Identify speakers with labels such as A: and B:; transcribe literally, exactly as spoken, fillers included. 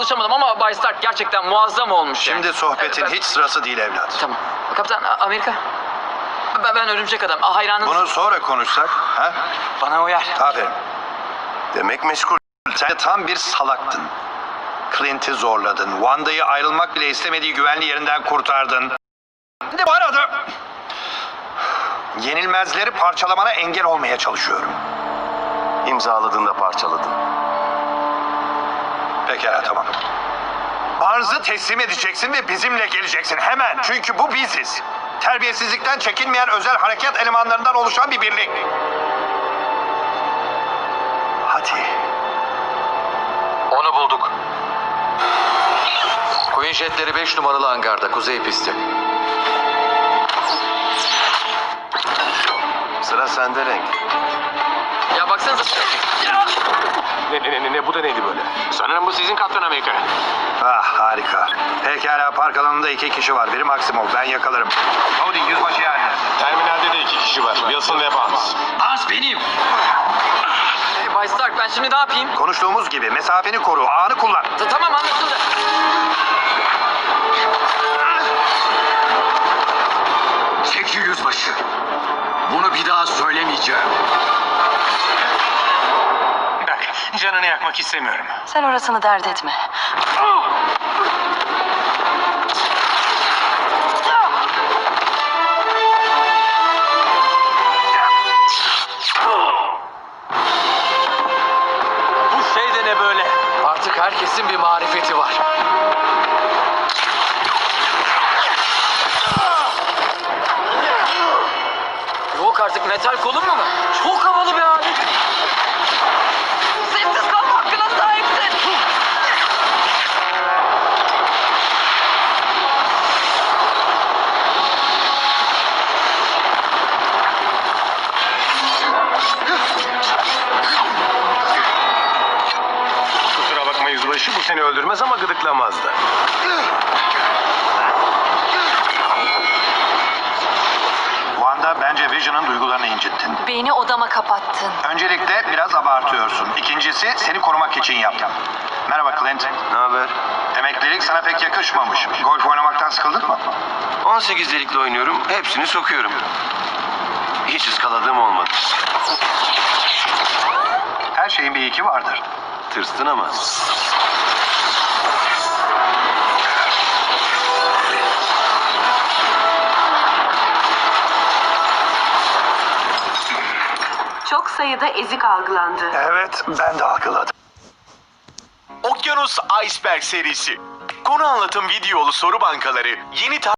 A: konuşamadım ama Bay Stark gerçekten muazzam olmuş.
B: Şimdi
A: yani.
B: sohbetin
A: Evet, ben-
B: hiç sırası değil evlat.
A: Tamam. Kaptan Amerika. Ben, ben örümcek adam. Hayranınız.
B: Bunu sonra konuşsak, ha?
A: Bana uyar.
B: Aferin. Demek meşgul. Sen de tam bir salaktın. Clint'i zorladın. Wanda'yı ayrılmak bile istemediği güvenli yerinden kurtardın. Bir de bu arada yenilmezleri parçalamana engel olmaya çalışıyorum.
C: İmzaladığında parçaladın.
B: Pekala, tamam. Arzı teslim edeceksin ve bizimle geleceksin hemen. Çünkü bu biziz. Terbiyesizlikten çekinmeyen özel harekat elemanlarından oluşan bir birlik. Hadi.
D: Onu bulduk. Queen jetleri beş numaralı hangarda, kuzey pisti.
C: Sıra sende Renk.
A: Ya baksanıza.
E: Ne, ne, ne, ne, bu da neydi böyle? Sanırım bu sizin Kaptan Amerika.
B: Ah, harika. Pekala, park alanında iki kişi var. Biri Maximov, ben yakalarım. Howdy, yüzbaşı yani.
E: Terminalde de iki kişi var. Wilson ve Barnes.
A: Az benim. Hey, Bay Stark, ben şimdi ne yapayım?
B: Konuştuğumuz gibi mesafeni koru, ağını kullan.
A: Ta- Tamam, anlaşıldı.
D: Çekil yüzbaşı. Bunu bir daha söylemeyeceğim.
E: Bak, canını yakmak istemiyorum.
F: Sen orasını dert etme.
D: Bu şey de ne böyle? Artık herkesin bir marifeti var.
A: Yok artık, metal kolum mu var? Çok havalı bir abi. Sessiz kalma hakkına sahipsin.
E: Kusura bakma yüzbaşı, bu seni öldürmez ama gıdıklamaz da.
B: Wanda, bence Vision'ın duygularını incittin.
F: Beni odama kapattın.
B: Öncelikle biraz abartıyorsun. İkincisi, seni korumak için yaptım. Merhaba Clint.
C: Ne haber?
B: Emeklilik sana pek yakışmamış. Golf oynamaktan sıkıldın mı?
C: on sekiz delikli oynuyorum, hepsini sokuyorum. Hiç ıskaladığım olmadı.
B: Her şeyin bir iki vardır.
C: Tırstın ama.
F: Çok sayıda ezik algılandı.
B: Evet, ben de algıladım.
G: Okyanus Iceberg serisi. Konu anlatım videolu soru bankaları yeni